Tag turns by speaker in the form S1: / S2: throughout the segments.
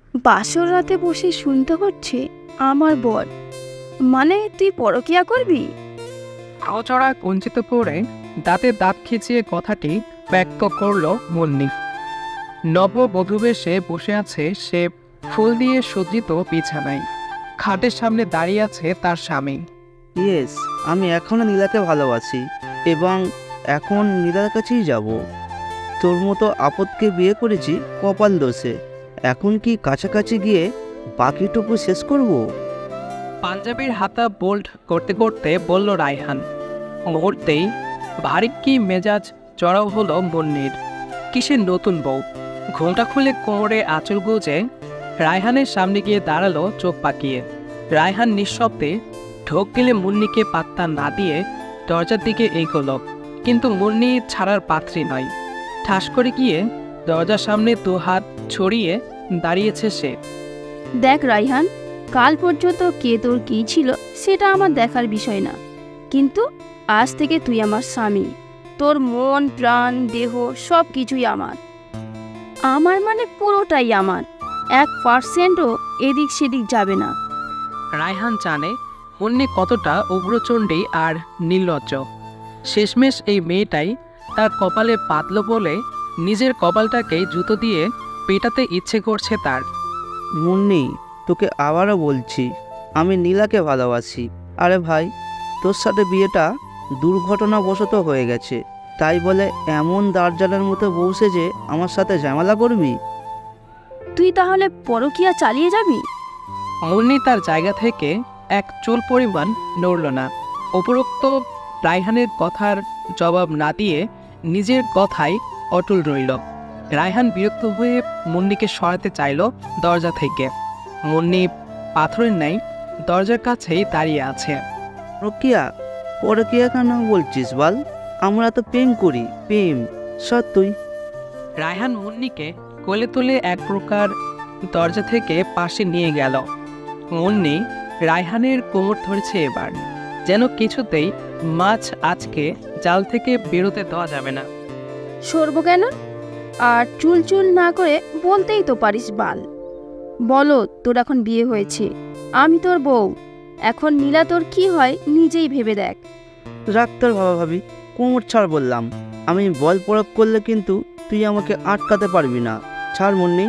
S1: বাসর রাতে বসে শুনতে হচ্ছে আমার বর, মানে তুই পরকিয়া করবি?
S2: আওচড়া কুঞ্চিত করে দাঁতে দাঁত খিচিয়ে কথাটি ব্যক্ত করল মুন্নি। নববধূবেশে বসে আছে সে ফুল দিয়ে সজ্জিত বিছানায়। খাটের সামনে দাঁড়িয়ে আছে তার স্বামী।
S3: ইয়েস, আমি এখনও নীলাকে ভালোবাসি এবং এখন নীলার কাছেই যাব। তোর মতো আপদকে বিয়ে করেছি কপাল দোষে। এখন কি কাছাকাছি গিয়ে বাকিটুকু শেষ করব?
S2: পাঞ্জাবির হাতা বোল্ড করতে করতে বলল রায়হান। মুহূর্তেই ভারী কি মেজাজ চড়াও হলো মুন্নির। কিসের নতুন বউ? ঘোমটা খুলে কোমরে আঁচল গুজে রায়হানের সামনে গিয়ে দাঁড়ালো চোখ পাকিয়ে। রায়হান নিঃশব্দে ঢোক গেলে মুন্নিকে পাত্তা না দিয়ে দরজার দিকে এগোলো, কিন্তু মুন্নি ছাড়ার পাত্রী নয়। ঠাস করে গিয়ে দরজার সামনে দু হাত ছড়িয়ে দাঁড়িয়েছে সে।
S1: দেখ রাইহান, কাল পর্যন্ত কে তোর কী ছিল সেটা আমার দেখার বিষয় না, কিন্তু আজ থেকে তুই আমার স্বামী। তোর মন প্রাণ দেহ সব কিছুই আমার। আমার মানে পুরোটাই আমার, 1%ও এদিক সেদিক যাবে না।
S2: রায়হান জানে মুন্নি কতটা উগ্রচণ্ডী আর নির্লজ্জ। শেষমেশ এই মেয়েটাই তার কপালে পাতল বলে নিজের কপালটাকে জুতো দিয়ে পেটাতে ইচ্ছে করছে তার।
S3: মুন্নি, তোকে আবারও বলছি, আমি নীলাকে ভালোবাসি। আরে ভাই, তোর সাথে বিয়েটা দুর্ঘটনাবশত হয়ে গেছে, তাই বলে এমন দার্জালের মতো বসে যে আমার সাথে ঝামেলা করবি?
S1: তুই তাহলে পরকিয়া চালিয়ে যাবি?
S2: মুন্নি তার জায়গা থেকে এক চুল পরিমাণ নড়ল না। উপরোক্ত রায়হানের কথার জবাব না দিয়ে নিজের কথাই অটল রইল। রায়হান বিরক্ত হয়ে মুন্নিকে সরাতে চাইল দরজা থেকে। মুন্নি পাথরের ন্যায় দরজার কাছেই দাঁড়িয়ে আছে।
S3: রকিয়া, পরকিয়া কেন বলছিস বল? আমরা তো প্রেম করি, প্রেম সত্যই।
S2: রায়হান মুন্নিকে কোলে তুলে এক প্রকার দরজা থেকে পাশে নিয়ে গেল। মুন্নি রায়হানের কোমর ধরেছে এবার, যেন কিছুতেই মাছ আজকে জাল থেকে বেরোতে দেওয়া যাবে না।
S1: সরব কেন? আর চুল চুল না করে বলতেই তো পারিস বাল। বলো, তোর এখন বিয়ে হয়েছে, আমি তোর বউ। এখন নীলা তোর কি হয় নিজেই ভেবে দেখ।
S3: রাখ তোর বাবা ভাবি, কোমর ছাড় বললাম। আমি বল প্রয়োগ করলে কিন্তু তুই আমাকে আটকাতে পারবি না। ছাড় মুন্নি।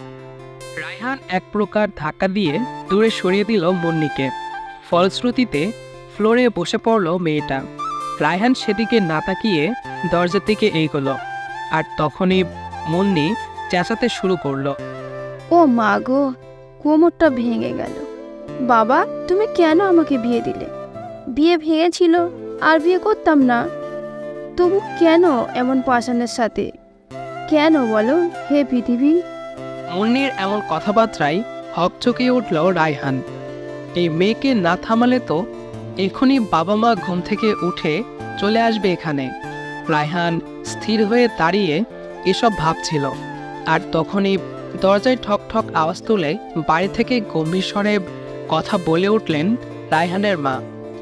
S2: রায়হান এক প্রকার ধাক্কা দিয়ে দূরে সরিয়ে দিল মুন্নিকে। ফলশ্রুতিতে ফ্লোরে বসে পড়ল মেয়েটা। রায়হান সেদিকে না তাকিয়ে দরজার দিকে এগোলো, আর তখনই মুন্নি চেঁচাতে শুরু করলো।
S1: ও মা গো, কোমরটা ভেঙে গেল। বাবা, তুমি কেন আমাকে বিয়ে দিলে? বিয়ে ভেঙেছিল আর বিয়ে করতাম না, তবু কেন এমন পাষাণের সাথে? কেন বলো হে পৃথিবী?
S2: মুন্নির এমন কথাবার্তায় হকচকিয়ে উঠল রায়হান। এই মেয়েকে না থামালে তো এখনই বাবা মা ঘুম থেকে উঠে চলে আসবে এখানে। রায়হান স্থির হয়ে দাঁড়িয়ে এসব ভাবছিল, আর তখনই দরজায় ঠক ঠক আওয়াজ তুলে বাড়ি থেকে গম্ভীর স্বরে কথা বলে উঠলেন রায়হানের মা।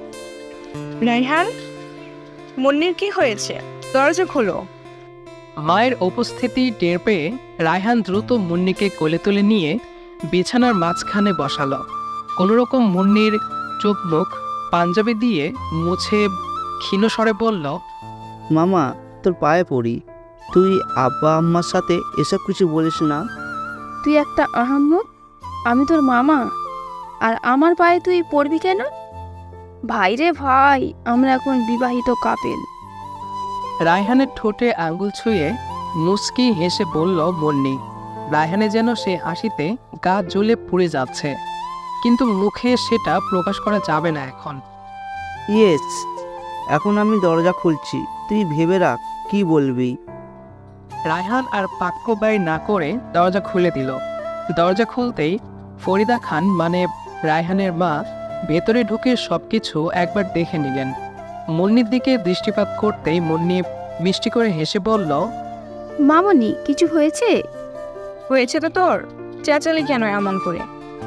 S4: রায়হান, মুন্নির কি হয়েছে? দরজা খোলো।
S2: মায়ের উপস্থিতি টের পেয়ে রায়হান দ্রুত মুন্নিকে কোলে তুলে নিয়ে বিছানার মাঝখানে বসালো। কোনোরকম মুন্নির চোখ মুখ পাঞ্জাবি দিয়ে মুছে ক্ষীণ স্বরে বলল,
S3: মামা, তোর পায়ে পড়ি, তুই আব্বা আম্মার সাথে এসব কিছু বলিস না।
S1: তুই একটা আহাম্মক, আমি তোর মামা, আর আমার পায়ে তুই পড়বি কেন? ভাই রে ভাই, আমরা এখন বিবাহিত কাপেল।
S2: রায়হানের ঠোঁটে আঙ্গুল ছুঁয়ে মুচকি হেসে বলল মুন্নি। রায়হানে যেন সে হাসিতে গা জ্বলে পুড়ে যাচ্ছে, কিন্তু মুখে সেটা প্রকাশ করা যাবে না এখন।
S3: ইয়েস, এখন আমি দরজা খুলছি, তুই ভেবে রাখ কি বলবি।
S2: রায়হান আর বাক্য ব্যয় না করে দরজা খুলে দিল। দরজা খুলতেই ফরিদা খান মানে রায়হানের মা ভেতরে ঢুকে সবকিছু একবার দেখে নিলেন। মুন্নির দিকে দৃষ্টিপাত করতেই মুন্নি মিষ্টি করে হেসে বলল,
S1: মামনি, কিছু হয়েছে?
S4: হয়েছে তো তোর, চেঁচালি কেন এমন করে?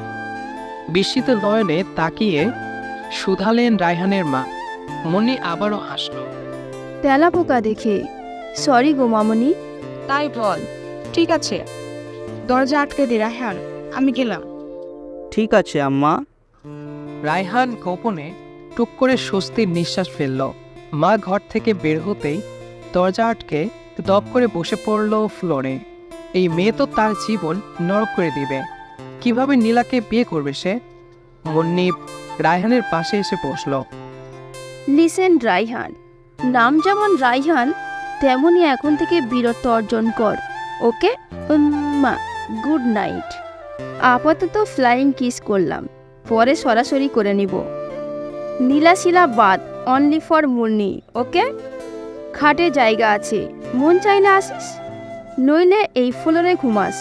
S2: বিস্মিত নয়নে তাকিয়ে শুধালেন রায়হানের মা। মুন্নি আবারও হাসল।
S1: তেলা পোকা দেখে সরি গো মামনি।
S4: তাই বল। ঠিক আছে, দরজা আটকে দে রায়হান, আমি গেলাম।
S3: ঠিক আছে আম্মা।
S2: রায়হান গোপনে টুক করে স্বস্তির নিঃশ্বাস ফেলল। মা ঘর থেকে বের হতেই দরজা আটকে দপ করে বসে পড়ল ফ্লোরে। এই মেয়ে তো তার জীবন নরক করে দিবে। কিভাবে নীলাকে বিয়ে করবে সে? মুন্নি রায়হানের পাশে এসে বসল।
S1: লিসেন রাইহান, নাম যেমন রাইহান তেমনই এখন থেকে বীরত্ব অর্জন কর, ওকে? Good night. আপাতত ফ্লাইং কিস করলাম, পরে সরাসরি করে নিব। নীলাশিলা বাদ, অনলি ফর মুন্নি, ওকে? খাটে জায়গা আছে, মন চাইলে আসিস, নইলে এই ফ্লোরে ঘুমাস।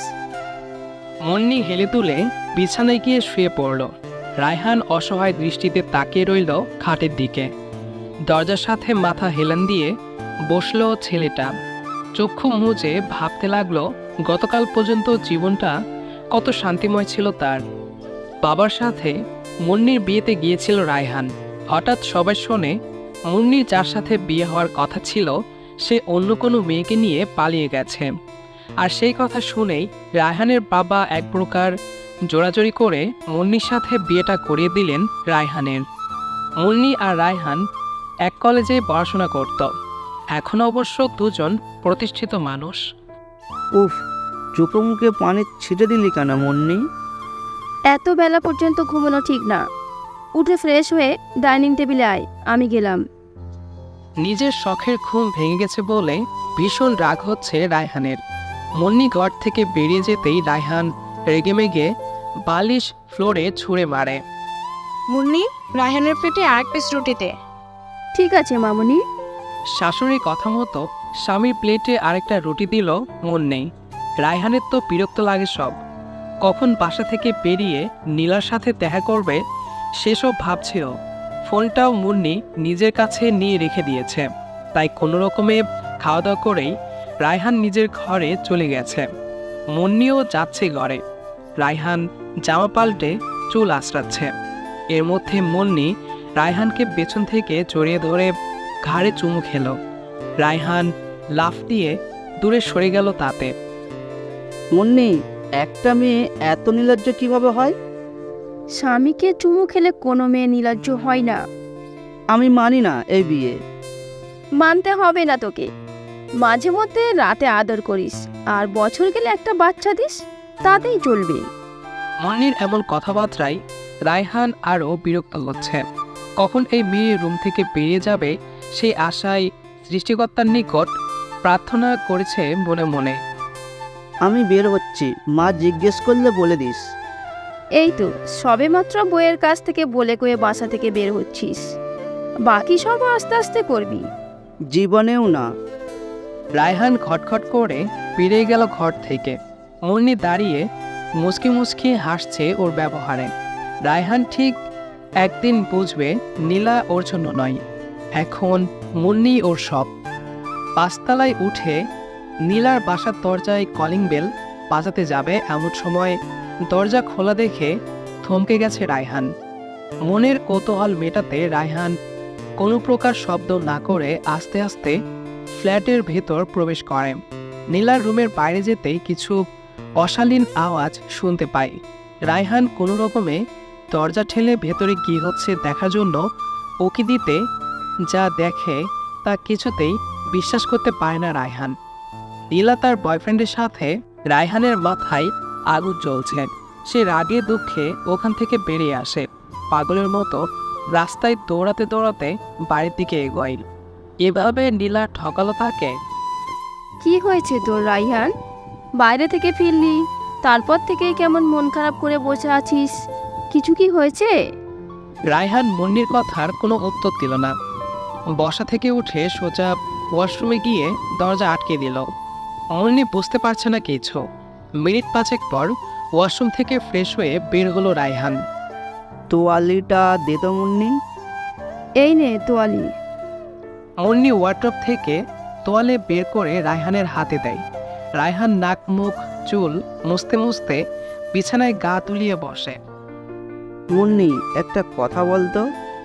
S2: মুন্নি হেলে তুলে বিছানায় গিয়ে শুয়ে পড়ল। রায়হান অসহায় দৃষ্টিতে তাকিয়ে রইল খাটের দিকে। দরজার সাথে মাথা হেলান দিয়ে বসল ছেলেটা। চক্ষু মুজে ভাবতে লাগলো গতকাল পর্যন্ত জীবনটা কত শান্তিময় ছিল তার। বাবার সাথে মুন্নির বিয়েতে গিয়েছিল রায়হান। হঠাৎ সবাই শোনে মুন্নির যার সাথে বিয়ে হওয়ার কথা ছিল সে অন্য কোনো মেয়েকে নিয়ে পালিয়ে গেছে। আর সেই কথা শুনেই রায়হানের বাবা এক প্রকার জোরাজোরি করে মুন্নির সাথে বিয়েটা করিয়ে দিলেন রায়হানের। মুন্নি আর রায়হান এক কলেজে পড়াশোনা করত। এখন অবশ্য দুজন প্রতিষ্ঠিত মানুষ।
S3: উফ, চোখে মুখে পানি ছিটে দিলি কেন মুন্নি?
S1: এত বেলা পর্যন্ত ঘুমানো ঠিক না, উঠে ফ্রেশ হয়ে ডাইনিং টেবিলে আয়, আমি গেলাম।
S2: নিজের শখের ঘুম ভেঙে গেছে বলে ভীষণ রাগ হচ্ছে রায়হানের। মুন্নি ঘর থেকে বেরিয়ে যেতেই রায়হান রেগেমেগে বালিশ ফ্লোরে ছুঁড়ে মারে।
S4: মুন্নি, রায়হানের পেটে আরেক পিস রুটিতে।
S1: ঠিক আছে মামুনি।
S2: শাশুড়ির কথা মতো স্বামীর প্লেটে আরেকটা রুটি দিল মুন্নি। রায়হানের তো বিরক্ত লাগে সব। কখন বাসা থেকে বেরিয়ে নীলার সাথে দেখা করবে সেসব ভাবছিল। ফোনটাও মুন্নি নিজের কাছে নিয়ে রেখে দিয়েছে। তাই কোনো রকমে খাওয়া দাওয়া করেই রায়হান নিজের ঘরে চলে গেছে। মুন্নিও যাচ্ছে ঘরে। রায়হান জামা পাল্টে চুল আঁচড়াচ্ছে। এর মধ্যে মুন্নি রায়হানকে পেছন থেকে জড়িয়ে ধরে ঘাড়ে চুমু খেল। রায়হান লাফ দিয়ে দূরে সরে গেল তাতে।
S3: মুন্নি, একটা মেয়ে এত নির্লজ্জ কিভাবে হয়?
S1: স্বামীকে চুমু খেলে কোনো মেয়ে নির্লজ্জ হয় না।
S3: আমি মানি না এই বিয়ে।
S1: মানতে হবে না তোকে। মাঝে মধ্যে রাতে আদর করিস, আর বছর গেলে একটা বাচ্চা দিস, তাতেই চলবে।
S2: মুন্নির এমন কথাবার্তায় রায়হান আরও বিরক্ত হচ্ছে। কখন এই মেয়ে রুম থেকে বেরিয়ে যাবে সেই আশায় সৃষ্টিকর্তার নিকট প্রার্থনা করেছে মনে মনে।
S3: আমি বের হচ্ছি, মা জিজ্ঞেস করলে বলে দিস।
S1: এই তো সবেমাত্র বইয়ের কাছ থেকে বলে কয়ে বাসা থেকে বের হচ্ছিস, বাকি সব আস্তে আস্তে করবি।
S3: জীবনেও না।
S2: রায়হান খটখট করে বেরিয়ে গেল ঘর থেকে। মুন্নি দাঁড়িয়ে মুচকি মুচকি হাসছে ওর ব্যবহারে। রায়হান ঠিক একদিন বুঝবে নীলা ওর জন্য নয়, এখন মুন্নি ওর সব। পাঁচতলায় উঠে নীলার বাসার দরজায় কলিং বেল বাজাতে যাবে এমন সময় দরজা খোলা দেখে থমকে গেছে রায়হান। মনের কৌতূহল মেটাতে রায়হান কোনো প্রকার শব্দ না করে আস্তে আস্তে ফ্ল্যাটের ভেতর প্রবেশ করে। নীলার রুমের বাইরে যেতেই কিছু অশালীন আওয়াজ শুনতে পায়। রায়হান কোনো রকমে দরজা ঠেলে ভেতরে কী হচ্ছে দেখার জন্য উকি দিতে যা দেখে তা কিছুতেই বিশ্বাস করতে পারে না রায়হান। নীলা তার বয়ফ্রেন্ডের সাথে। রায়হানের মাথায় আগুন জ্বলছে। সে রাগে দুঃখে ওখান থেকে বেরিয়ে আসে। পাগলের মতো রাস্তায় দৌড়াতে দৌড়াতে বাড়ির দিকে এগোয়। এভাবে নীলা ঠকালো তাকে।
S1: কি হয়েছে তোর রাইহান? বাইরে থেকে ফিরলি, তারপর থেকেই কেমন মন খারাপ করে বসে আছিস, কিছু কি হয়েছে?
S2: রায়হান মুন্নির কথার কোনো উত্তর দিল না। বসা থেকে উঠে সোজা ওয়াশরুমে গিয়ে দরজা আটকে দিল। মুন্নি বুঝতে পারছে না কিছু। মিনিট পাঁচেক পর ওয়াশরুম থেকে ফ্রেশ হয়ে বের হলো রায়হান।
S3: তোয়ালিটা দে তো মুন্নি।
S1: এই নে তোয়ালি।
S2: মুন্নি ওয়ার্ড্রপ থেকে তোয়ালে বের করে রায়হানের হাতে দেয়। রায়হান নাক মুখ চুল মুছতে মুছতে বিছানায় গা তুলিয়ে বসে।
S3: মুন্নি, একটা কথা বলতো।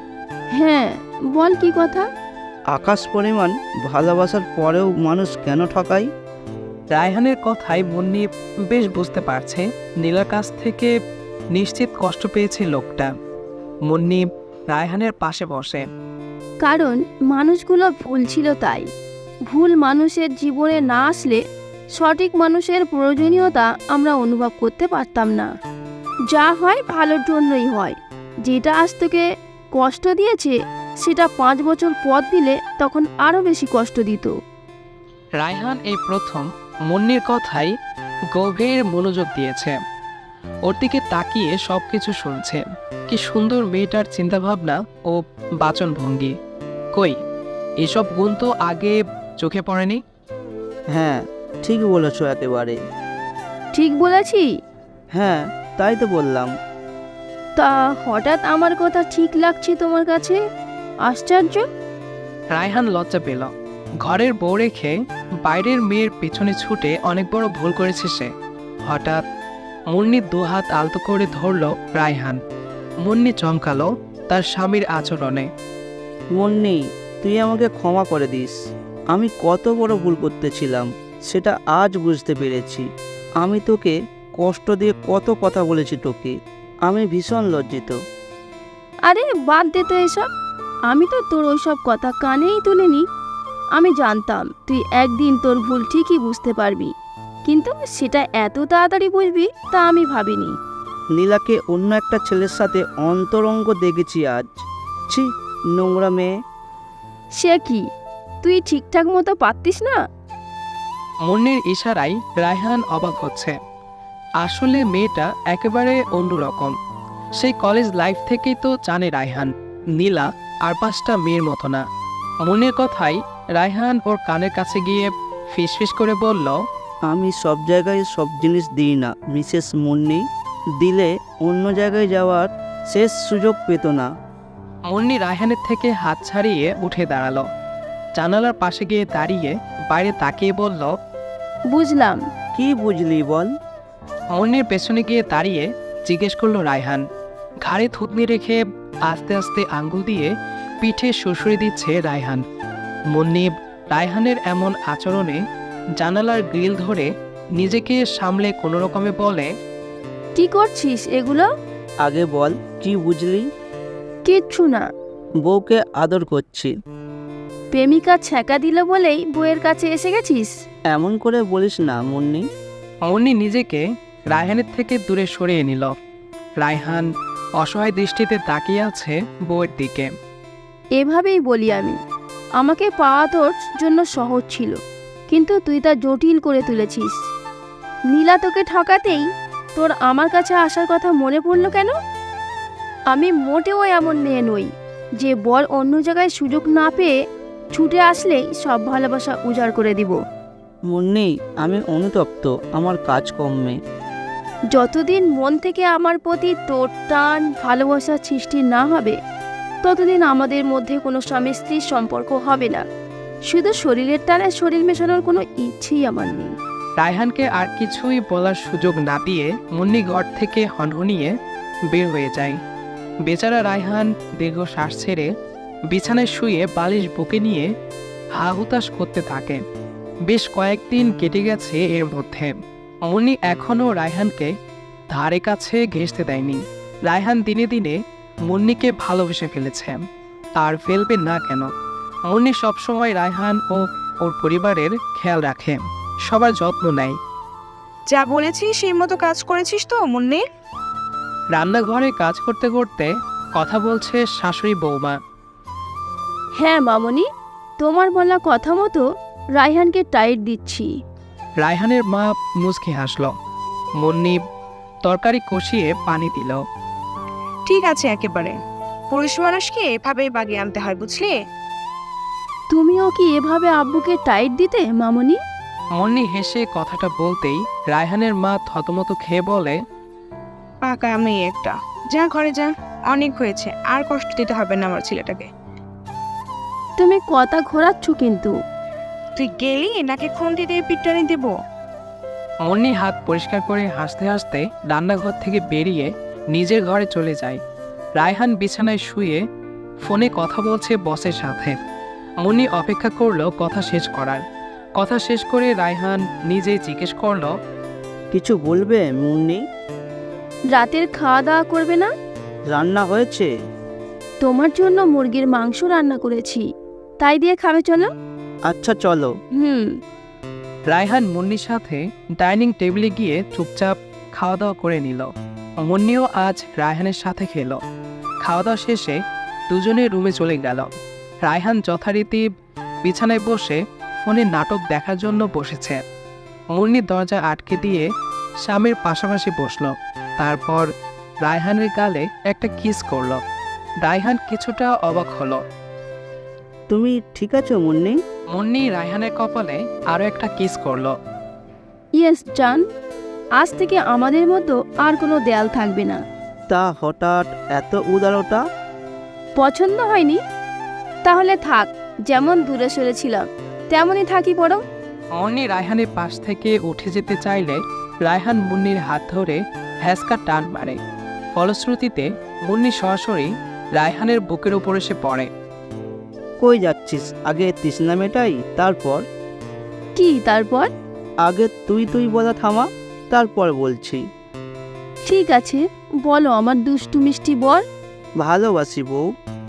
S1: হ্যাঁ বল, কি কথা?
S3: আকাশ পরিমাণ ভালোবাসার পরেও মানুষ কেন ঠকায়?
S2: রায়হানের কথায় মুন্নি বেশ বুঝতে পারছে নীলার কাছ থেকে নিশ্চিত কষ্ট পেয়েছে লোকটা। মুন্নি রায়হানের পাশে বসে।
S1: কারণ মানুষগুলো ভুল ছিল তাই। ভুল মানুষের জীবনে না আসলে সঠিক মানুষের প্রয়োজনীয়তা আমরা অনুভব করতে পারতাম না। যা হয় ভালোর জন্যই হয়। যেটা আজ তোকে কষ্ট দিয়েছে সেটা 5 বছর পর দিলে তখন আরও বেশি কষ্ট দিত।
S2: রায়হান এই প্রথম মুন্নির কথাই গভীর মনোযোগ দিয়েছে। ওর দিকে তাকিয়ে সব কিছু শুনছে। কি সুন্দর মেয়েটার চিন্তাভাবনা ও বাচনভঙ্গি। কই, এসব গুণ তো আগে চোখে পড়েনি।
S3: হ্যাঁ, ঠিক বলেছো একেবারে।
S1: ঠিক বলেছি?
S3: হ্যাঁ, তাই তো বললাম।
S1: তা হঠাৎ আমার কথা ঠিক লাগছে তোমার কাছে? আশ্চর্য।
S2: রায়হান লজ্জা পেল। ঘরের বউ রেখে বাইরের মেয়ের পেছনে ছুটে অনেক বড় ভুল করেছে সে। হঠাৎ মুন্নির দুহাত আলতো করে ধরল রায়হান। মুন্নি চমকালো তার স্বামীর আচরণে।
S3: মুন্নি, তুই আমাকে ক্ষমা করে দিস। আমি কত বড় ভুল করতেছিলাম সেটা আজ বুঝতে পেরেছি। আমি তোকে কষ্ট দিয়ে কত কথা বলেছি তোকে। আমি ভীষণ লজ্জিত।
S1: আরে বাদ দে তো এসব। আমি তো তোর ওইসব কথা কানেই তুলিনি। আমি জানতাম তুই একদিন তোর ভুল ঠিকই বুঝতে পারবি, কিন্তু সেটা এত তাড়াতাড়ি বুঝবি তা আমি ভাবিনি।
S3: নীলাকে অন্য একটা ছেলের সাথে অন্তরঙ্গ দেখেছি আজ। ছি, নোংরা মেয়ে।
S1: সে কি, তুই ঠিকঠাক মতো পারতিস না?
S2: মুন্নির ইশারায় রায়হান অবাক হচ্ছে। আসলে মেয়েটা একেবারে অন্যরকম। সেই কলেজ লাইফ থেকেই তো জানে রায়হান নীলা আর 5টা মেয়ের মতো না। মুন্নির কথাই রায়হান ওর কানের কাছে গিয়ে ফিসফিস করে বলল,
S3: আমি সব জায়গায় সব জিনিস দিই না মিসেস মুন্নি। দিলে অন্য জায়গায় যাওয়ার শেষ সুযোগ পেত না।
S2: মুন্নি রায়হানের থেকে হাত ছাড়িয়ে উঠে দাঁড়ালো। জানালার পাশে গিয়ে দাঁড়িয়ে বাইরে তাকিয়ে বলল,
S1: বুঝলাম।
S3: কি বুঝলি বল?
S2: মুন্নির পেছনে গিয়ে দাঁড়িয়ে জিজ্ঞেস করলো রায়হান। ঘাড়ে থুতনি রেখে আস্তে আস্তে আঙ্গুল দিয়ে পিঠে শুশুড়ি দিচ্ছে রায়হান। মুন্নি রায়হানের এমন আচরণে জানালার গ্রিল ধরে নিজেকে সামলে কোনো রকমে বলে,
S1: কি করছিস এগুলো?
S3: আগে বল, কি বুঝলি?
S1: কিচ্ছু না।
S3: বউকে আদর করছি।
S1: প্রেমিকা ছ্যাঁকা দিল বলেই বউয়ের কাছে এসে গেছিস?
S3: এমন করে বলিস না মুন্নি।
S2: মুন্নি নিজেকে রায়হানের থেকে দূরে সরিয়ে নিল। রায়হান অসহায় দৃষ্টিতে তাকিয়ে আছে বউয়ের দিকে।
S1: এভাবেই বলি আমি। আমাকে পাওয়া তোর জন্য সহজ ছিল, কিন্তু তুই তা জটিল করে তুলেছিস। নীলা তোকে ঠকাতেই তোর আমার কাছে আসার কথা মনে পড়লো কেন? আমি মোটেও এমন মেয়ে নই যে বর অন্য জায়গায় সুযোগ না পেয়ে ছুটে আসলেই সব ভালোবাসা উজাড় করে দিব।
S3: মুন্নি, আমি অনুতপ্ত আমার কাজকর্মে।
S1: যতদিন মন থেকে আমার প্রতি তোর টান ভালোবাসার সৃষ্টি না হবে ততদিন আমাদের মধ্যে কোনো স্বামী স্ত্রীর সম্পর্ক হবে না। শুধু শরীরের টানে শরীর মেশানোর কোনো ইচ্ছেই আমার নেই।
S2: রায়হানকে আর কিছুই বলার সুযোগ না দিয়ে মুন্নি ঘর থেকে হনহনিয়ে বের হয়ে যায়। বেচারা রায়হান দীর্ঘ শ্বাস ছেড়ে বিছানায় শুয়ে বালিশ বুকে নিয়ে হা হুতাশ করতে থাকে। বেশ কয়েকদিন কেটে গেছে এর মধ্যে। মুন্নি এখনও রায়হানকে ধারে কাছে ঘেঁষতে দেয়নি। রায়হান দিনে দিনে মুন্নিকে ভালোবেসে ফেলেছে, আর ফেলবে না কেন। মুন্নি সবসময় রায়হান ও ওর পরিবারের খেয়াল রাখে, সবার যত্ন নেয়।
S4: যা বলেছিস সেই মতো কাজ করেছিস তো মুন্নি?
S2: রান্নাঘরে কাজ করতে করতে কথা বলছে শাশুড়ি বৌমা।
S1: হ্যাঁ মামনি, তোমার বলা কথা মতো রায়হানকে টাইট দিচ্ছি।
S2: রায়হানের মা মুচকি হাসল। মুন্নি তরকারি কষিয়ে পানি দিল।
S4: ঠিক আছে, একেবারে পুরুষ মানুষকে এভাবেই বাগিয়ে আনতে হয়, বুঝলি?
S1: তুমিও কি এভাবে আব্বুকে টাইট দিতে মামনি?
S2: মুন্নি হেসে কথাটা বলতেই রায়হানের মা থতমত খেয়ে বলে,
S4: পাকা মেয়ে একটা। যা ঘরে যা, অনেক হয়েছে, আর কষ্ট দিতে হবে না আমার ছেলেটাকে।
S1: তুমি কথা ঘোরাচ্ছ কিন্তু।
S4: তুই গেলি নাকি খুন্তি দিয়ে পিটটানি দেব?
S2: মুন্নি হাত পরিষ্কার করে হাসতে হাসতে রান্নাঘর থেকে বেরিয়ে নিজের ঘরে চলে যায়। রায়হান বিছানায় শুয়ে ফোনে কথা বলছে বসের সাথে। মুন্নি অপেক্ষা করলো কথা শেষ করার। কথা শেষ করে রায়হান নিজেই জিজ্ঞেস করলো,
S3: কিছু বলবে মুন্নি?
S1: রাতের খাওয়া দাওয়া করবে না?
S3: রান্না হয়েছে?
S1: তোমার জন্য মুরগির মাংস রান্না করেছি, তাই দিয়ে খাবে চলো।
S3: আচ্ছা চলো।
S2: রায়হান মুন্নির সাথে ডাইনিং টেবিলে গিয়ে চুপচাপ খাওয়া দাওয়া করে নিল। মুন্নিও আজ রায়হানের সাথে খেলো। খাওয়া দাওয়া শেষে দুজনে রুমে চলে গেল। রায়হান যথারীতি বিছানায় বসে ফোনে নাটক দেখার জন্য বসেছে। মুন্নি দরজা আটকে দিয়ে স্বামীর পাশাপাশি বসলো। তারপর রায়হানের গালে একটা কিস করলো। রায়হান কিছুটা অবাক হলো।
S3: তুমি ঠিক আছো মুন্নি?
S2: মুন্নি রায়হানের কপালে আরও একটা কিস করলো।
S1: ইয়েস জান, আজ থেকে আমাদের মতো আর কোনো দেয়াল থাকবে না।
S3: তা হঠাৎ এত উদারতা?
S1: পছন্দ হয়নি? তাহলে থাক, যেমন দূরে সরেছিলাম তেমনই থাকি বরং।
S2: মুন্নি রায়হানের পাশ থেকে উঠে যেতে চাইলে রায়হান মুন্নির হাত ধরে হ্যাঁচকা টান মারে। ফলশ্রুতিতে মুন্নি সরাসরি রায়হানের বুকের উপর এসে পড়ে।
S3: কই যাচ্ছিস? আগে তৃষ্ণা মেটাই, তারপর।
S1: কি তারপর?
S3: আগে তুই তুই বলা থামা, তারপর বলছি।
S1: ঠিক আছে, বলো আমার দুষ্টু মিষ্টি বর।
S3: ভালোবাসি বউ।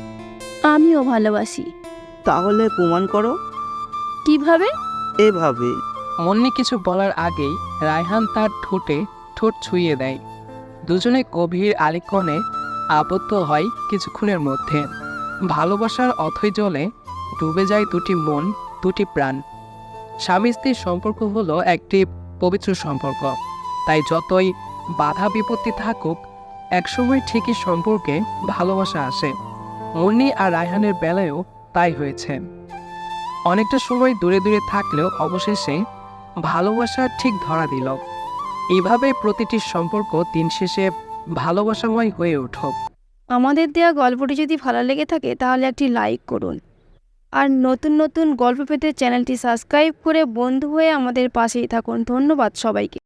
S1: আমিও ভালোবাসি।
S3: তাহলে প্রমাণ করো।
S1: কিভাবে?
S3: এভাবে।
S2: মুন্নি কিছু বলার আগেই রায়হান তার ঠোঁটে ঠোঁট ছুঁয়ে দেয়। দুজনে গভীর আলিঙ্গনে আবদ্ধ হয় কিছুক্ষণের মধ্যে। ভালোবাসার অথৈ জলে ডুবে যায় দুটি মন, দুটি প্রাণ। স্বামী স্ত্রীর সম্পর্ক হলো একটি পবিত্র সম্পর্ক। তাই যতই বাধা বিপত্তি থাকুক, একসময় ঠিকই সম্পর্কে ভালোবাসা আসে। মুন্নি আর রায়হানের বেলায়ও তাই হয়েছে। অনেকটা সময় দূরে দূরে থাকলেও অবশেষে ভালোবাসা ঠিক ধরা দিল। এইভাবে প্রতিটি সম্পর্ক দিন শেষে ভালোবাসাময় হয়ে উঠুক।
S1: আমাদের দেয়া গল্পটি যদি ভালো লেগে থাকে তাহলে একটি লাইক করুন, আর নতুন নতুন গল্প পেতে চ্যানেলটি সাবস্ক্রাইব করে বন্ধু হয়ে আমাদের পাশেই থাকুন। ধন্যবাদ সবাইকে।